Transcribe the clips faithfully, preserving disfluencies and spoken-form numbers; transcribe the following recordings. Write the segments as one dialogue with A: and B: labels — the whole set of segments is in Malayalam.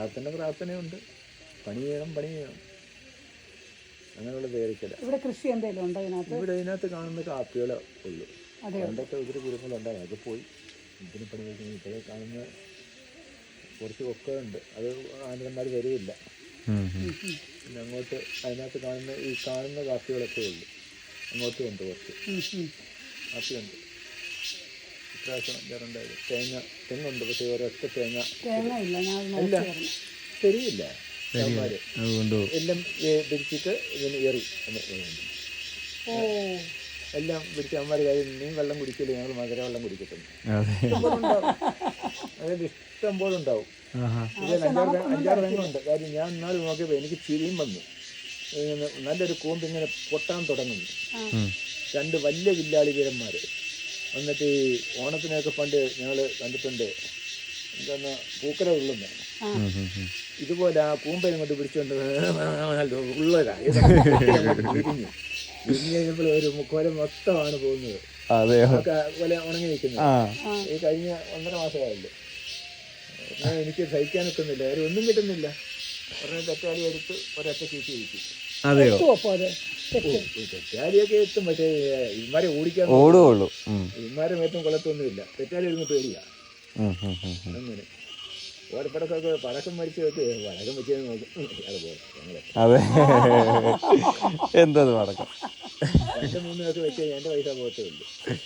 A: പ്രാർത്ഥന പ്രാർത്ഥനയുണ്ട്, പണി ചെയ്യണം പണി ചെയ്യണം അങ്ങനെയുള്ള പേരിക്കല.
B: ഇവിടെ കൃഷി എന്തെങ്കിലും ഉണ്ടോ ഇതിനകത്ത്?
A: ഇവിടെ ഇതിനകത്ത് കാണുന്ന കാപ്പികളെ ഉള്ളൂ. പണ്ടൊക്കെ ഒത്തിരി കുരുങ്ങളുണ്ടായി, അതൊക്കെ പോയി. ഇതിന് പണി കഴിക്കുന്നത് ഇപ്പോഴേ കാണുന്ന കുറച്ച് ഒക്കെ ഉണ്ട്, അത് ആനന്ദന്മാർ വരികയില്ല. പിന്നെ അങ്ങോട്ട് അതിനകത്ത് കാണുന്ന ഈ കാണുന്ന കാപ്പികളൊക്കെ ഉള്ളൂ. അങ്ങോട്ടും ഉണ്ട് കുറച്ച് കാപ്പിയുണ്ട്. ഇപ്രാവശ്യം വേറുണ്ടായത് തേങ്ങ തെങ്ങുണ്ട്, പക്ഷേ ഒരൊറ്റ തേങ്ങ അല്ല ശരിയില്ല. എല്ലാം പിടിച്ചിട്ട് ഇതിന് എറി എല്ലാം പിടിച്ച് അമ്മമാർ കാര്യം നീ വെള്ളം കുടിക്കില്ല, ഞങ്ങൾ മധുര വെള്ളം കുടിക്കത്തുള്ളൂ. അതിൽ ഇഷ്ടം പോലെ ഉണ്ടാവും. ഇത് അഞ്ചാറ് അഞ്ചാറ് തെങ്ങുണ്ട്. കാര്യം ഞാൻ ഇന്നാൾ നോക്കിയപ്പോൾ എനിക്ക് ചിരിയും വന്നു. ഇങ്ങനെ നല്ലൊരു കൂമ്പ് ഇങ്ങനെ പൊട്ടാൻ തുടങ്ങുന്നു. രണ്ട് വലിയ വില്ലാളി വീരന്മാർ എന്നിട്ട് ഈ ഓണത്തിനൊക്കെ പണ്ട് ഞങ്ങൾ കണ്ടിട്ടുണ്ട്, എന്താ പൂക്കല ഉള്ളുന്ന ഇതുപോലെ ആ കൂമ്പയും കൊണ്ട് പിടിച്ചുകൊണ്ട് ഉള്ളതാ വിരിഞ്ഞു വിരിഞ്ഞ് കഴിഞ്ഞപ്പോൾ ഒരു മുക്കോല മൊത്തമാണ് പോകുന്നത്. പോലെ ഉണങ്ങി നിൽക്കുന്നത്. ഈ കഴിഞ്ഞ ഒന്നര മാസമായല്ലോ. എനിക്ക് സഹിക്കാൻ നിൽക്കുന്നില്ല, അവർ ഒന്നും കിട്ടുന്നില്ല. ഒരെണ്ണം തെറ്റാലി എടുത്ത് ഒരൊറ്റ ചീറ്റി ഇരിക്കും. തെറ്റാലിയൊക്കെ എത്തും, പക്ഷേ ഇമാരെ ഓടിക്കാൻ ഓടുകയുള്ളൂ. ഇമാരെ മേത്തും കൊള്ളത്തൊന്നുമില്ല. തെറ്റാലി ഇരുന്ന് പേടിയാ. അങ്ങനെ ഓരപ്പടക്കൊക്കെ പടക്കം മരിച്ചു വെച്ച് പടക്കം വെച്ച് നോക്കും. അതുപോലെ
C: അതെ എന്തത് പടക്കം
A: രണ്ട് മൂന്ന് ദിവസം വെച്ച് എൻ്റെ പൈസ പോകത്തേ ഉള്ളൂ.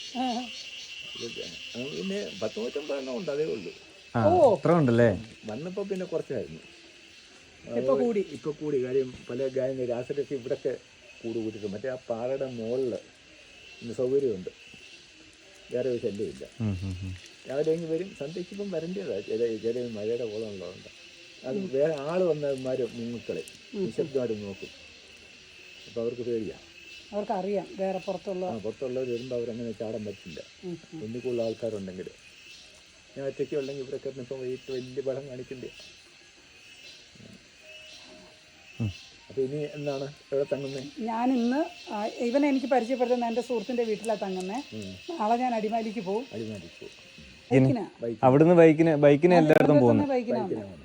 A: പിന്നെ പത്ത് നൂറ്റമ്പത് എണ്ണം ഉണ്ട്, അതേ ഉള്ളൂ.
C: അത്ര ഉണ്ടല്ലേ.
A: വന്നപ്പോ പിന്നെ കുറച്ചായിരുന്നു, ഇപ്പൊ കൂടി. കാര്യം പല ഗായക രാസരൊക്കെ ഇവിടൊക്കെ കൂട് കൂട്ടിട്ട് മറ്റേ ആ പാറയുടെ മുകളില് ഇന്ന് സൗകര്യമുണ്ട്, വേറെ ഒരു ശല്യമില്ല. രാവിലെ എങ്കിൽ വരും, സന്ധ്യയ്ക്കിപ്പം വരേണ്ടതാണ്. ചില ചില മഴയുടെ കോളം ഉള്ളതുകൊണ്ട് അത് വേറെ ആള് വന്നമാര് മുങ്ങക്കളെ നിശബ്ദമായിട്ട് നോക്കും. അപ്പൊ അവർക്ക് പേടിയാണ്,
B: അവർക്കറിയാം വേറെ പുറത്തുള്ള
A: ആ പുറത്തുള്ളവർ വരുമ്പോൾ അവരങ്ങനെ ചാടാൻ പറ്റില്ല. ഒന്നിക്കുള്ള ആൾക്കാരുണ്ടെങ്കിൽ. ഞാൻ ഒറ്റയ്ക്ക് ഉണ്ടെങ്കിൽ ഇവരൊക്കെ ഇപ്പം വൈകിട്ട് വലിയ പടം കാണിക്കണ്ടേ. അപ്പൊ ഇനി എന്താണ് എവിടെ തങ്ങുന്നത്?
B: ഞാൻ ഇന്ന് ഇവനെ എനിക്ക് പരിചയപ്പെടുത്തുന്ന എൻ്റെ സുഹൃത്തിന്റെ വീട്ടിലാണ് തങ്ങുന്നത്. നാളെ ഞാൻ അടിമാലിക്ക് പോകും.
A: അടിമാലിക്ക് പോകും.
C: അവിടുന്ന് ബൈക്കിന് ബൈക്കിന് എല്ലായിടത്തും പോകുന്നു.
B: ബൈക്കിനാണ്